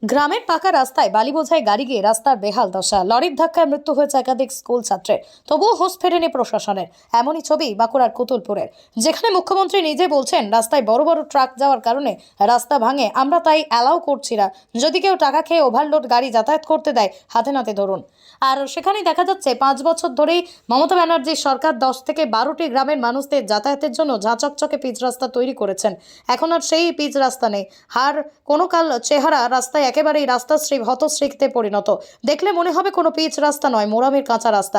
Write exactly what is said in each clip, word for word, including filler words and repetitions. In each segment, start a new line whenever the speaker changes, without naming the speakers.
গ্রামের পাকা রাস্তায় বালি বোঝাই গাড়ি গিয়ে রাস্তার বেহাল দশা, লরির ধাক্কায় মৃত্যু হয়েছে একাধিক স্কুল ছাত্রের, তবুও হোশ ফেরেনি প্রশাসনের। এমনই ছবি বাঁকুড়ার কুতুলপুরের, যেখানে মুখ্যমন্ত্রী নিজে বলছেন রাস্তায় বড় বড় ট্রাক যাওয়ার কারণে রাস্তা ভাঙে, আমরা তাই অ্যালাউ করছি না। যদি কেউ টাকা খেয়ে ওভারলোড গাড়ি যাতায়াত করতে দেয় হাতে নাতে ধরুন। আর সেখানেই দেখা যাচ্ছে পাঁচ বছর ধরেই মমতা ব্যানার্জির সরকার দশ থেকে বারোটি গ্রামের মানুষদের যাতায়াতের জন্য ঝাঁচকচকে পিচ রাস্তা তৈরি করেছেন। এখন আর সেই পিচ রাস্তা নেই, আর কোনো কাল চেহারা রাস্তায় একেবারেই রাস্তাশ্রী হতশ্রীতে পরিণত। দেখলে মনে হবে কোনো পিচ রাস্তা নয়, মোরামের কাঁচা রাস্তা।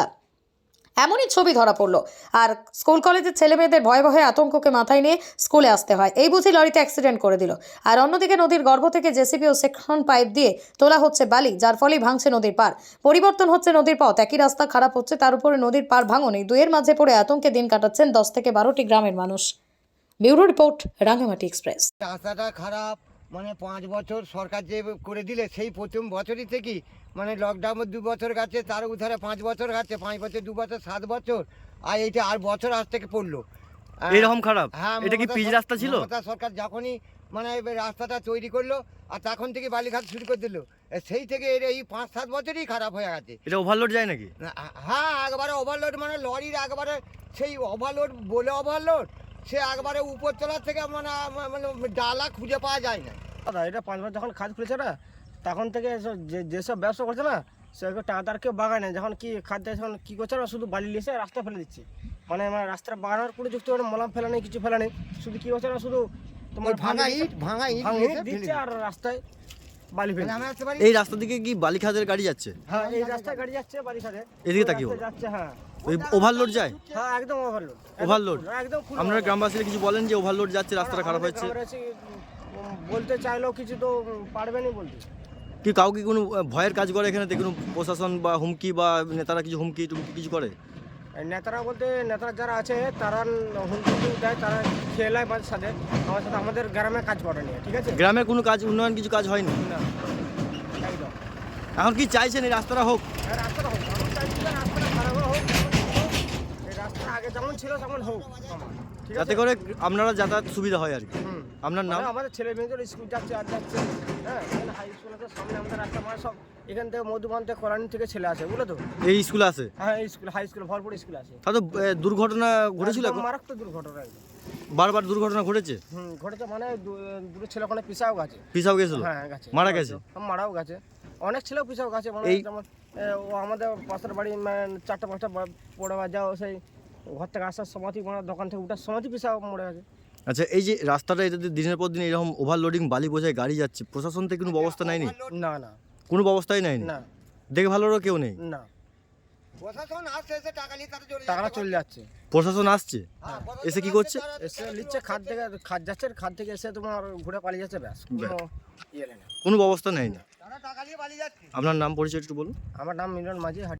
এমনই ছবি ধরা পড়লো। আর স্কুল কলেজের ছেলে মেয়েদের ভয়ে ভয়ে আতঙ্ককে মাথায় নিয়ে স্কুলে আসতে হয়, এই বুঝি লরিতে অ্যাক্সিডেন্ট করে দিল। আর অন্যদিকে নদীর গর্ভ থেকে জেসিবি ও সেকশন পাইপ দিয়ে তোলা হচ্ছে বালি, যার ফলেই ভাঙছে নদীর পার, পরিবর্তন হচ্ছে নদীর পথ। একই রাস্তা খারাপ হচ্ছে, তার উপরে নদীর পার ভাঙনে দুয়ের মাঝে পড়ে আতঙ্কে দিন কাটাচ্ছেন দশ থেকে বারোটি গ্রামের মানুষ। Bureau report, Rangamati Express.
রাস্তাটা খারাপ, মানে পাঁচ বছর সরকার যে করে দিলে সেই প্রথম বছরই থেকেই মানে লকডাউনের দু বছর গেছে, তার উধারে পাঁচ বছর গেছে, পাঁচ বছর দু বছর সাত বছর, আর এইটা আর বছর আজ থেকে পড়লো
এরকম খারাপ।
হ্যাঁ,
এটা কি
মমতা
পিচ
সর-
রাস্তা ছিল?
মমতা সরকার যখনই মানে এই রাস্তাটা তৈরি করলো আর তখন থেকে বালিঘাট শুরু করে দিল, সেই থেকে এর এই পাঁচ সাত বছরই খারাপ হয়ে গেছে।
এটা ওভারলোড যায় নাকি?
না, হ্যাঁ, একবারে ওভারলোড, মানে লরির একবারে সেই ওভারলোড বলে ওভারলোড, সে একবারে উপর তলার থেকে মানে মানে ডালা খুঁজে পাওয়া যায় না।
দাদা এটা পাঁচবার যখন খাদ খুলেছে না, তখন থেকে এসব যে যেসব ব্যবসা করছে না, সেগুলো টাকা তার কেউ বাগায় না। যখন কি খাদ দেয় যখন কী করছে না, শুধু বালি লিখে রাস্তা ফেলে দিচ্ছে। মানে আমার রাস্তাটা বাগানোর কোনো যুক্ত করে মলাম ফেলা নেই, কিছু ফেলা নেই, শুধু কী করছে না, শুধু তোমার
ওই ভাঙা ইট ভাঙা ইট
ভাঙা
দিয়ে
ইট
ফেলে
দিচ্ছে আর রাস্তায় বালি ফেলে
মানে
দিচ্ছে।
আমরা আসতে পারি।
এই রাস্তা দিকে কি বালি খাদের গাড়ি যাচ্ছে?
হ্যাঁ, এই রাস্তায় গাড়ি যাচ্ছে বালি খাদে,
এদিকে
ওই
তাকিয়ে
রাস্তায় যাচ্ছে। হ্যাঁ
ওই ওভারলোড যায়?
হ্যাঁ, একদম ওভারলোড।
ওভারলোড?
একদম full
আপনারা
overload।
গ্রামবাসীরা কিছু বলেন যে ওভারলোড যাচ্ছে, রাস্তাটা খারাপ
আমাদের
হচ্ছে?
গ্রামের এসে, উম, বলতে চাইলেও কিছু তো উম, পারবেনই বলতে।
কি কাউকে কোনো আহ, ভয়ের কাজ করে এখানে? কোনো প্রশাসন বা হুমকি বা নেতারা কিছু হুমকি টুমকি কিছু করে?
এই নেতারা বলতে নেতারা যারা আছে তারা হুমকি দেয়, তারা খেলায় মাঝে সাথে আমার সাথে আমাদের গ্রামে কাজ করে নিয়ে, ঠিক আছে?
গ্রামের কোনো কাজ উন্নয়ন কিছু কাজ হয়নি?
না, একদম।
এখন কি চাইছেন এই রাস্তাটা হোক?
আর রাস্তাটা হোক, আমার চাইছি যে রাস্তাটা খারাপ হোক, হোক। এই রাস্তা আগে যেমন ছিল তেমন হোক আমার, ঠিক আছে?
যাতে করে আপনারা যাতায়াত সুবিধা হয় আর কি।
হুম।
আপনার নাম?
মানে আমাদের ছেলে মেয়েদের স্কুল যাচ্ছে আর যাচ্ছে, হ্যাঁ, এখানে হাই স্কুল আছে সামনে, আমাদের রাস্তা মানে সব এখান থেকে মধুবান থেকে কল্যাণী থেকে ছেলে আসে, বুঝলো তো?
এই স্কুলে আছে?
হ্যাঁ, এই স্কুল হাই স্কুল ভরপুর স্কুল আছে।
তাহলে তো আহ, দুর্ঘটনা ঘটেছিল
একদম
এখন?
মারাত্মক দুর্ঘটনা একদম।
বারবার দুর্ঘটনা ঘটেছে?
হুম, ঘটেছে, মানে দু- দুটো ছেলে ওখানে পিছাও গেছে।
পিছাও গেছিল?
হ্যাঁ, গেছে,
মারা গেছে?
হ্যাঁ, মারাও গেছে, অনেক ছেলেও পিছাও গেছে। মানে
এই-
যেমন এ, ও আমাদের পাশের বাড়ি মানে চারটা পাঁচটা বা- পড়ে যাও, সেই ঘর থেকে আসার সমাধি মানে দোকান থেকে উঠার সমাধি পিছাও মরে গেছে।
আচ্ছা, এই যে রাস্তাটা এটাতে দিনের পর দিন এরকম ওভারলোডিং বালি বোঝায় গাড়ি যাচ্ছে, প্রশাসন থেকে কোনো ব্যবস্থা নেয়নি?
না না
কোনো ব্যবস্থাই নেয়নি?
না
দেখে ভালোরও কেউ নেই?
না,
প্রশাসন আসছে, এসে টাকা নিয়ে তারা চলে
টাকাটা
যাচ্ছে।
চলে যাচ্ছে।
প্রশাসন আসছে,
হ্যাঁ,
এসে কি
প্রশাসন
করছে?
আসছে, তারা-
এসে নিচ্ছে খাদ থেকে, খাদ যাচ্ছে, খাদ থেকে এসে তোমার ঘুরে পালিয়ে যাচ্ছে, ব্যাস, কোনো ইয়ে নেই না।
কোনো ব্যবস্থা নেয়নি?
তারা টাকা নিয়ে পালিয়ে যাচ্ছে।
আপনার নাম পরিচয় একটু বলুন।
আমার নাম মিলন মাঝি।